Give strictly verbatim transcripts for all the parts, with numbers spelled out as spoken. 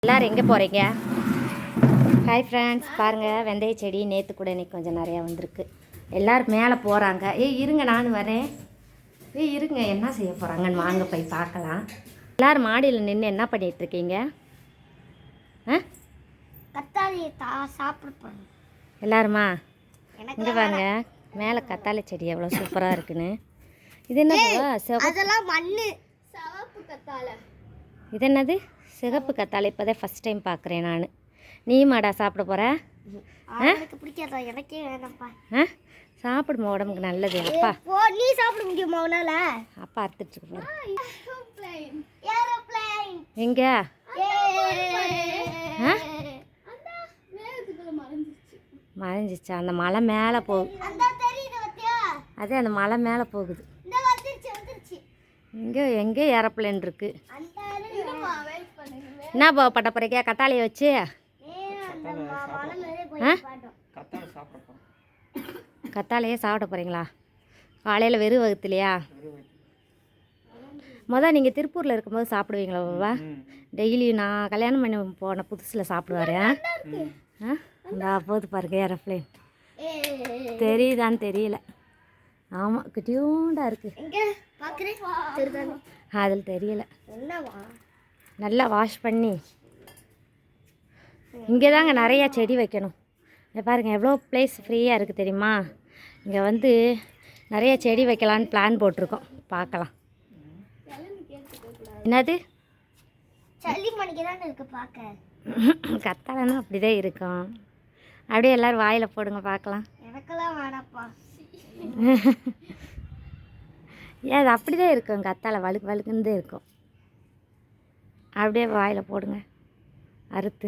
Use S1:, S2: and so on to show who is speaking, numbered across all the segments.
S1: எல்லோரும் எங்கே போகிறீங்க? ஹாய் ஃப்ரெண்ட்ஸ், பாருங்கள் வெந்தய செடி நேற்று கூட இன்றைக்கி கொஞ்சம் நிறையா வந்திருக்கு. எல்லோரும் மேலே போகிறாங்க. ஏய் இருங்க, நான் வரேன். ஏய் இருங்க, என்ன செய்ய போகிறாங்கன்னு வாங்க போய் பார்க்கலாம். எல்லோரும் மாடியில் நின்று என்ன பண்ணிகிட்ருக்கீங்க? ஆ
S2: கத்தாழி சாப்பிட போகிறோம்
S1: எல்லாருமா. இங்கே பாருங்க மேலே கத்தாழை செடி எவ்வளோ சூப்பராக இருக்குன்னு. இது என்னது?
S2: அதெல்லாம் மண்ணு சிவப்பு கத்தாழை.
S1: இது என்னது? சிகப்பு கத்தாழை. இப்போதான் ஃபஸ்ட் டைம் பார்க்குறேன் நான். நீ மாடா சாப்பிட போகிற?
S2: எனக்கு பிடிக்காதா? எனக்கே வேணாம்ப்பா.
S1: ஆ சாப்பிடுமா, உடம்புக்கு நல்லது. அப்பா
S2: நீ சாப்பிட முடியுமா உன்னால?
S1: அப்பா அறுத்துட்டு போகிறேன். எங்க மறைஞ்சிச்சா? அந்த மலை மேலே போகுது. அதே அந்த மலை மேலே போகுது. இங்கே எங்கே ஏரோப்ளேன் இருக்கு. என்ன பா பட்ட போறீங்க கத்தாழையை வச்சு? கத்தாழையே சாப்பிட போகிறீங்களா? காலையில் வெறும் வகுத்துலையா? மொதல் நீங்கள் திருப்பூரில் இருக்கும்போது சாப்பிடுவீங்களா பாபா? டெய்லி நான் கல்யாணம் பண்ணி போன புதுசில் சாப்பிடுவாரு. ஆ இந்த போது பாருங்க ஏரோப்ளேன். தெரியுதான்னு தெரியல. ஆமாம் குட்டியூண்டா இருக்குது. அதில் தெரியல. நல்லா வாஷ் பண்ணி இங்கே தாங்க நிறையா செடி வைக்கணும். இங்கே பாருங்கள் எவ்வளோ ப்ளேஸ் ஃப்ரீயாக இருக்குது தெரியுமா? இங்கே வந்து நிறைய செடி வைக்கலான்னு பிளான் போட்டிருக்கோம். பார்க்கலாம். என்னது? கத்தாழைன்னா அப்படிதான் இருக்கும். அப்படியே எல்லோரும் வாயில் போடுங்க பார்க்கலாம்.
S2: எனக்கெல்லாம் வேணாப்பா.
S1: ஏன் அது அப்படி தான் இருக்கும். கத்தாழை வழுக்கு வழுக்குன்னு தான் இருக்கும். அப்படியே வாயில் போடுங்க அறுத்து.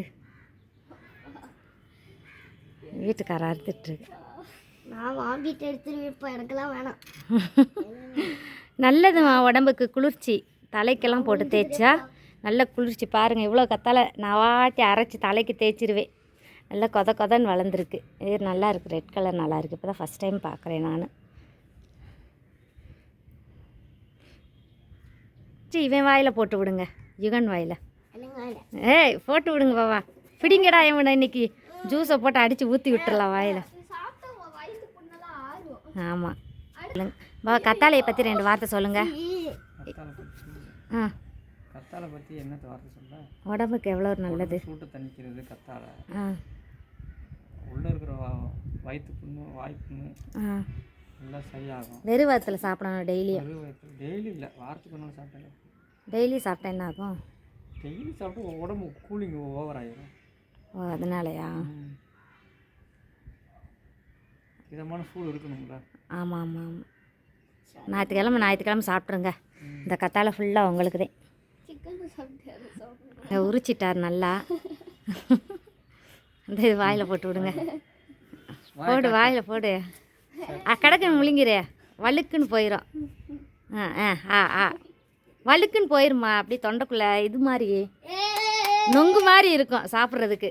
S1: வீட்டுக்காரர் அறுத்துட்ருக்கு.
S2: நான் வாங்கிட்டு எடுத்துட்டு இப்போ எனக்கெல்லாம் வேணாம்.
S1: நல்லதுமா, உடம்புக்கு குளிர்ச்சி. தலைக்கெல்லாம் போட்டு தேய்ச்சா நல்ல குளிர்ச்சி. பாருங்கள் இவ்வளோ கத்தாழை நான் வாட்டி அரைச்சி தலைக்கு தேய்ச்சிருவேன். நல்லா கொத கொதன்னு வளர்ந்துருக்கு. இது நல்லா இருக்குது. ரெட் கலர் நல்லா இருக்குது. இப்போ தான் ஃபஸ்ட் டைம் பார்க்குறேன் நான். இவன் வாயில் போட்டு விடுங்க. யுகன் வாயில். ஏய் போட்டு விடுங்க பாபா. பிடிங்கடா இவனை. இன்னைக்கு ஜூஸை போட்டு அடித்து ஊற்றி விட்டுறலாம் வாயில். ஆமாம் பாபா, கத்தாழையை பற்றி ரெண்டு வார்த்தை சொல்லுங்கள். ஆ
S3: கத்தாழை பற்றி என்ன வார்த்தை சொல்ல?
S1: உடம்புக்கு எவ்வளோ நல்லது.
S3: சூட்டை தணிக்கிறது கத்தாழை.
S1: ஆ
S3: உள்ளே இருக்கிற வயிற்று புண்ணு வாய் புண்ணு எல்லாம் சரியாகும்.
S1: வெறும் வயிற்றில் சாப்பிடணும் டெய்லியும்.
S3: வெறும் வயிற்று டெய்லி இல்லை, வாரத்துக்கு ஒன்று சாப்பிட்டேன்.
S1: டெய்லி சாப்பிட்டா என்ன ஆகும்?
S3: டெய்லி சாப்பிட்டு உடம்பு கூலிங் ஓவர் ஆகிடும்.
S1: ஓ அதனாலயா?
S3: இதமான சூடு இருக்கணுங்களா? ஆமாம்
S1: ஆமாம் ஆமாம். ஞாயிற்றுக்கிழமை ஞாயிற்றுக்கிழமை சாப்பிட்ருங்க. இந்த கத்தாழை ஃபுல்லாக உங்களுக்கு தான். உரிச்சிட்டார் நல்லா. அந்த இது வாயில் போட்டு விடுங்க. போடு வாயில் போடு. கிடக்குன்னு முழுங்கிற வழுக்குன்னு போயிடும். ஆ ஆ ஆ ஆ வழுக்குன்னு போயிருமா. அப்படி தொண்டைக்குள்ளே இது மாதிரி நொங்கு மாதிரி இருக்கும் சாப்பிட்றதுக்கு.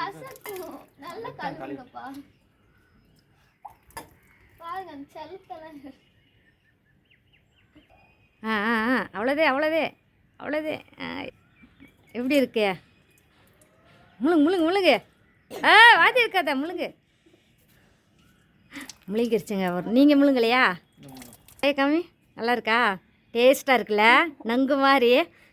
S1: ஆ ஆ ஆ அவ்வளோதே அவ்வளோதே அவ்வளோதே. எப்படி இருக்கே? முழுங்கு முழுங்கு முழுங்கு. ஆ வாதி இருக்காத முழுங்கு. முழுங்கிருச்சுங்க. ஒரு நீங்கள் முழுங்கலையா? ஏ கம்மி நல்லா இருக்கா? டேஸ்ட்டாக இருக்குல்ல? நங்கு மாதிரி.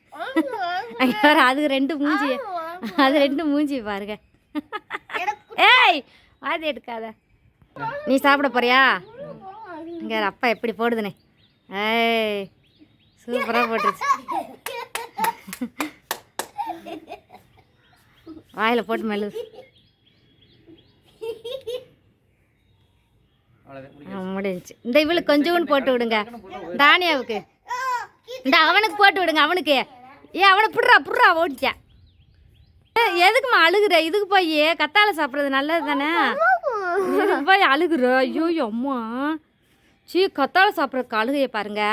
S1: அது ரெண்டு மூஞ்சி. அது ரெண்டு மூஞ்சி பாருங்க. ஏய் வாதி எடுக்காத. நீ சாப்பிட போறியா? இங்கே அப்பா எப்படி போடுதுனே. ஏய் சூப்பராக போட்டுருச்சு. வாயில் போட்டு மெல்லு. முடிஞ்சிச்சு. இந்த இவளுக்கு கொஞ்சோன்னு போட்டு விடுங்க. தானியாவுக்கு இந்த அவனுக்கு போட்டு விடுங்க. அவனுக்கு ஏ அவனை புடுறா புடுறா ஓடிச்சா. எதுக்குமா அழுகுற? இதுக்கு போய் கத்தாழை சாப்பிட்றது நல்லது தானே. இதுக்கு போய் அழுகுற. ஐயோ அம்மா சீ கத்தாழை சாப்பிட்றதுக்கு அழுகையை பாருங்க.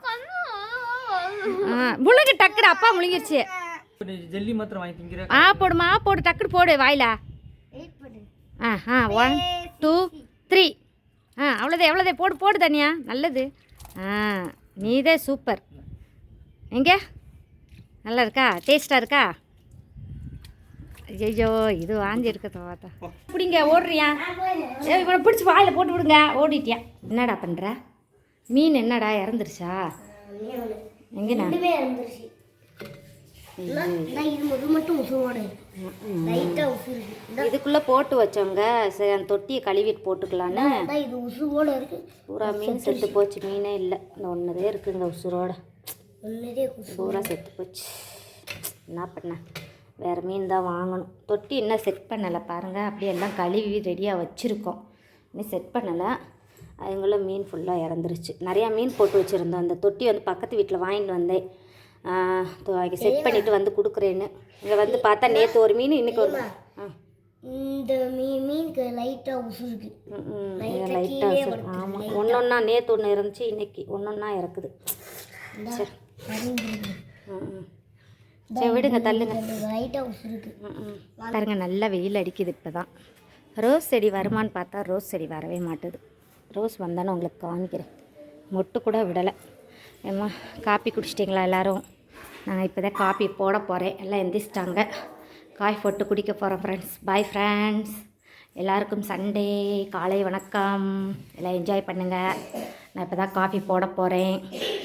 S1: முழுங்கு டக்குடு. அப்பா முழுங்கிருச்சு.
S3: ஜெல்லி மாத்திரம் வாங்கி திங்கிற.
S1: ஆ போடுமா போடு டக்குடு போடு வாயில. ஆ ஆ ஒன் டூ த்ரீ. ஆ அவ்வளோதே எவ்வளோதே போடு போடு தனியா நல்லது. ஆ நீதே சூப்பர். எங்கே நல்லா இருக்கா? டேஸ்ட்டாக இருக்கா? ஐயோ இது வாங்கி இருக்கிறத பார்த்தா பிடிங்க ஓடுறியா ஏய் இவனை பிடிச்சி வாயில் போட்டு விடுங்க ஓடிட்டியா என்னடா பண்ணுற மீன் என்னடா இறந்துருச்சா எங்கண்ணா
S2: ரெண்டுமே இறந்துருச்சு இது முது மட்டும் உசுவோட லைட்டாக உசு இருக்கு
S1: இதுக்குள்ளே போட்டு வச்சவங்க சரி அந்த தொட்டியை கழுவிட்டு போட்டுக்கலான்னு
S2: இது உசுவோட இருக்கு
S1: பூரா மீன் செத்து போச்சு மீனே இல்லை இந்த ஒன்றுதே இருக்குங்க உசுரோட
S2: ஒன்றுதே
S1: பூரா செத்து போச்சு என்ன பண்ண வேறு மீன் தான் வாங்கணும் தொட்டி இன்னும் செட் பண்ணலை பாருங்கள் அப்படியே எல்லாம் கழுவி ரெடியாக வச்சுருக்கோம் இன்னும் செட் பண்ணலை அதுங்களும் மீன் ஃபுல்லாக இறந்துருச்சு நிறையா மீன் போட்டு வச்சுருந்தோம் அந்த தொட்டி வந்து பக்கத்து வீட்டில் வாங்கிட்டு வந்தேன் செட் பண்ணிவிட்டு வந்து கொடுக்குறேன்னு இங்கே வந்து பார்த்தா நேற்று ஒரு மீன் இன்றைக்கி ஒரு ஆ
S2: இந்த மீன் மீனுக்கு லைட்டாக உசு இருக்கு
S1: லைட்டாக உசு ஆமாம் ஒன்று ஒன்றா நேற்று ஒன்று இருந்துச்சு இன்றைக்கி ஒன்று ஒன்றா இறக்குது சரி ம் சரி விடுங்க தள்ளுங்க
S2: லைட்டாக உசு இருக்கு
S1: ம் பாருங்க நல்லா வெயில் அடிக்குது இப்போ தான் ரோஸ் செடி வருமானு பார்த்தா ரோஸ் செடி வரவே மாட்டுது ரோஸ் வந்தானே உங்களுக்கு காமிக்கிறேன் மொட்டு கூட விடலை ஏம்மா காப்பி குடிச்சிட்டிங்களா எல்லோரும் நாங்கள் இப்போ தான் காப்பி போட போகிறேன் எல்லாம் எந்திரிச்சிட்டாங்க காய் போட்டு குடிக்க போகிறோம் ஃப்ரெண்ட்ஸ் பாய் ஃப்ரெண்ட்ஸ் எல்லாருக்கும் சண்டே காலை வணக்கம் எல்லாம் என்ஜாய் பண்ணுங்கள் நான் இப்போ தான் காஃபி போட போகிறேன்